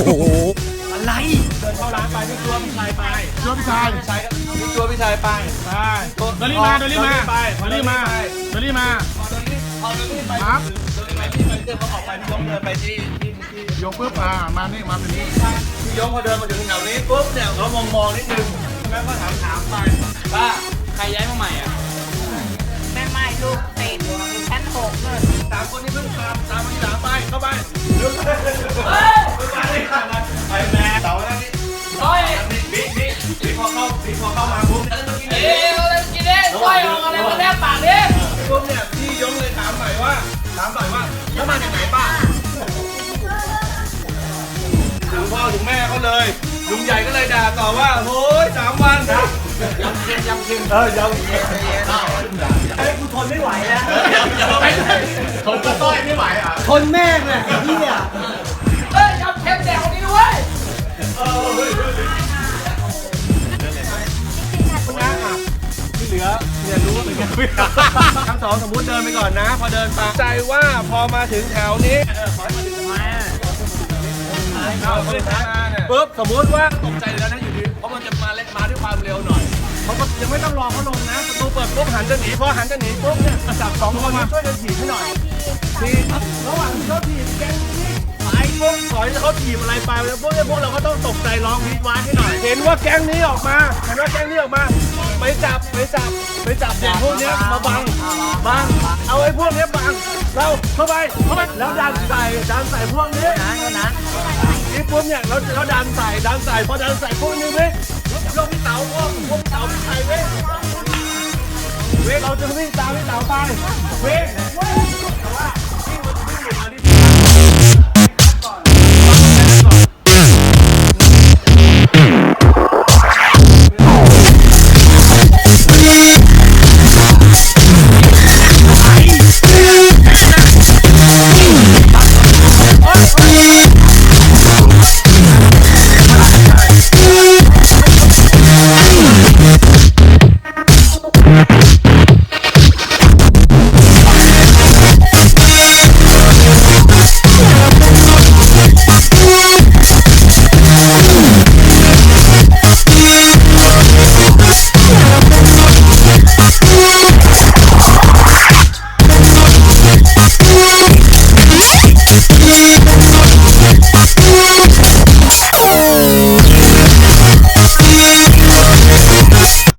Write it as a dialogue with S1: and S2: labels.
S1: อะไรเดินเข้าร้านไปพี่ตัวพี่ชายไปตัวพี่ชายพี่ตัวพี่ชายไปเดลี่มาเดลี่มาเดลี่มาเดลี่มาพอเดลี่ไปครับเดลี่ไปที่เจอเขาออกไปพี่ยงเดินไปที่ยงปุ๊บมานี่มาเป็นนี่พี่ยงพอเดินมาถึงแถวนี้ปุ๊บเนี่ยเขามองนิดนึงแล้วก็ถามไปว่าใครย้ายมาใหม่อ่ะ
S2: แม่ไม่ลูกติดชั้น6เลย
S1: 3 คนนี้เพิ่งตามมาที่หลังไปเข้าไปไปแม่เสาแล้วนี่บิ๊กพอเข้ามาปุ๊บ
S2: อะไรกินเด้ก้อยออกอะไรมาแทบปากดิ
S1: ปุ๊บเนี่ยพี่ยงเลยถามหน่อยว่าแล้วมาจากไหนป้าถึงพ่อถึงแม่เขาเลยลุงใหญ่ก็เลยด่าต่อว่าโอ้ย3 วันยำเค็มยำเค็มไอ้กูทนไม่ไหวแล้วทนต้อยไม่ไหวอ่ะ
S3: ทนแม่งเลยพี่อ่ะ
S2: ยำเค็มแดกคนนี้ด้วย
S1: ที่เหลือเนี่ยรู้ว่าเป็นยังไงทั้งสองสมมุติเดินไปก่อนนะพอเดินไปใจว่าพอมาถึงแถวนี้ขอให้มาถึงทำไมปุ๊บสมมุติว่าตกใจแล้วนะอยู่ดีเพราะมันจะมาด้วยความเร็วหน่อยเขาก็ยังไม่ต้องรอเขาลงนะประตูเปิดปุ๊บหันจะหนีพอหันจะหนีปุ๊บเนี่ยจับ2 คนมาช่วยกันถีบให้หน่อยถีบระหว่างที่เขาถีบแกงนี่ไปปุ๊บถอยเขาถีบอะไรไปแล้วพวกเราก็ต้องตกใจร้องวีดว้าให้หน่อยเห็นว่าแก๊งนี้ออกมาไปจับเด็กพวกนี้มาบังเอาไอ้พวกนี้บังเราเข้าไปแล้วดันใส่พวกนี้นี่ปุ๊บเนี่ยเราดันใส่พอดันใส่พวกนี้เว้ยลงพี่เต๋าพวกพี่เต๋าพี่ไทยเว้ยเราจะวิ่งตามพี่เต๋าไปเว้ย